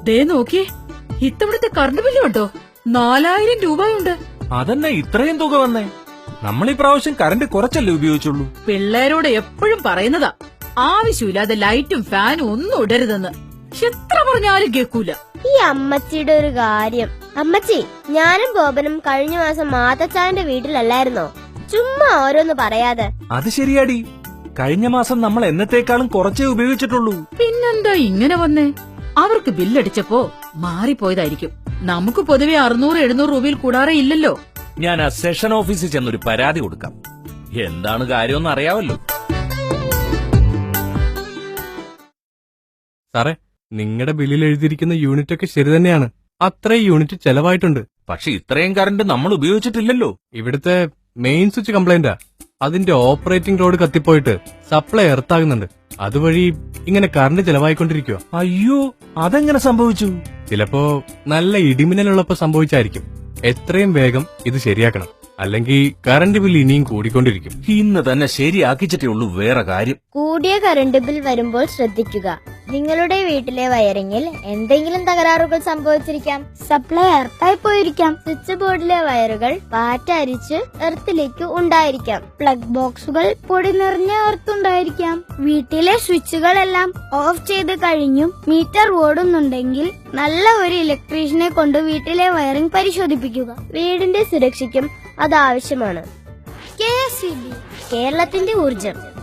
ദേ നോക്കിയേ, ഇത്തവണത്തെ current bill കണ്ടോ? 4000 രൂപയുണ്ട്. അതന്നെ ഇത്രയും തുക വന്നേ. നമ്മൾ ഈ പ്രാവശ്യം കറണ്ട് കുറച്ചല്ലേ ഉപയോഗിച്ചുള്ളൂ. പിള്ളേരോട് എപ്പോഴും പറയുന്നതാ, ആവശ്യമില്ലാതെ ലൈറ്റും ഫാനും ഒന്നും ഇടരുതെന്ന്. എത്ര പറഞ്ഞാലും കേൾക്കൂല. ഈ അമ്മച്ചിയുടെ ഒരു കാര്യം. അമ്മച്ചി, ഞാനും ബോബനും കഴിഞ്ഞ മാസം മാതച്ചാന്റെ വീട്ടിലല്ലായിരുന്നോ? ചുമ്മാ ഓരോന്ന് പറയാതെ. അത് ശരിയാടി, കഴിഞ്ഞ മാസം നമ്മൾ എന്നത്തേക്കാളും കുറച്ചേ ഉപയോഗിച്ചിട്ടുള്ളൂ. പിന്നെന്താ ഇങ്ങനെ വന്നേ? അവർക്ക് ബില്ലടിച്ചപ്പോ മാറിപ്പോയതായിരിക്കും. നമുക്ക് പൊതുവെ 600-700 രൂപയിൽ കൂടാറേ ഇല്ലല്ലോ. ഞാൻ ആ സെഷൻ ഓഫീസിൽ ചെന്നൊരു പരാതി കൊടുക്കാം. എന്താണ് കാര്യമെന്ന് അറിയാവല്ലോ. സാറേ, നിങ്ങളുടെ ബില്ലിൽ എഴുതിയിരിക്കുന്ന യൂണിറ്റ് ഒക്കെ ശരി തന്നെയാണ്. അത്രയും യൂണിറ്റ് ചെലവായിട്ടുണ്ട്. പക്ഷെ ഇത്രയും കറണ്ട് നമ്മൾ ഉപയോഗിച്ചിട്ടില്ലല്ലോ. ഇവിടുത്തെ മെയിൻ സ്വിച്ച് കംപ്ലൈന്റാ. അതിന്റെ ഓപ്പറേറ്റിംഗ് ലോഡ് കത്തിപ്പോയിട്ട് സപ്ലൈ എർത്താകുന്നുണ്ട്. അതുവഴി ഇങ്ങനെ കറണ്ട് ചെലവായിക്കൊണ്ടിരിക്കുക. അയ്യോ, അതെങ്ങനെ സംഭവിച്ചു? ചിലപ്പോ നല്ല ഇടിമിന്നലുള്ളപ്പോ സംഭവിച്ചായിരിക്കും. എത്രയും വേഗം ഇത് ശരിയാക്കണം, അല്ലെങ്കിൽ കറണ്ട് ബിൽ ഇനിയും കൂടിക്കൊണ്ടിരിക്കും. ഇന്ന് തന്നെ ശരിയാക്കിച്ചിട്ടേ ഉള്ളൂ. വേറെ കാര്യം, കൂടിയ കറണ്ട് ബിൽ വരുമ്പോൾ ശ്രദ്ധിക്കുക. നിങ്ങളുടെ വീട്ടിലെ വയറിങ്ങിൽ എന്തെങ്കിലും തകരാറുകൾ സംഭവിച്ചിരിക്കാം. സപ്ലൈ എർത്തായി പോയിരിക്കാം. സ്വിച്ച് ബോർഡിലെ വയറുകൾ പാറ്റരിച്ച് എർത്തിലേക്ക് ഉണ്ടായിരിക്കാം. പ്ലഗ് ബോക്സുകൾ പൊടി നിറഞ്ഞ എർത്തുണ്ടായിരിക്കാം. വീട്ടിലെ സ്വിച്ചുകളെല്ലാം ഓഫ് ചെയ്ത് കഴിഞ്ഞും മീറ്റർ ഓടുന്നുണ്ടെങ്കിൽ നല്ല ഒരു ഇലക്ട്രീഷ്യനെ കൊണ്ട് വീട്ടിലെ വയറിംഗ് പരിശോധിപ്പിക്കുക. വീടിന്റെ സുരക്ഷയ്ക്കും അത് ആവശ്യമാണ്. KSEB, കേരളത്തിന്റെ ഊർജം.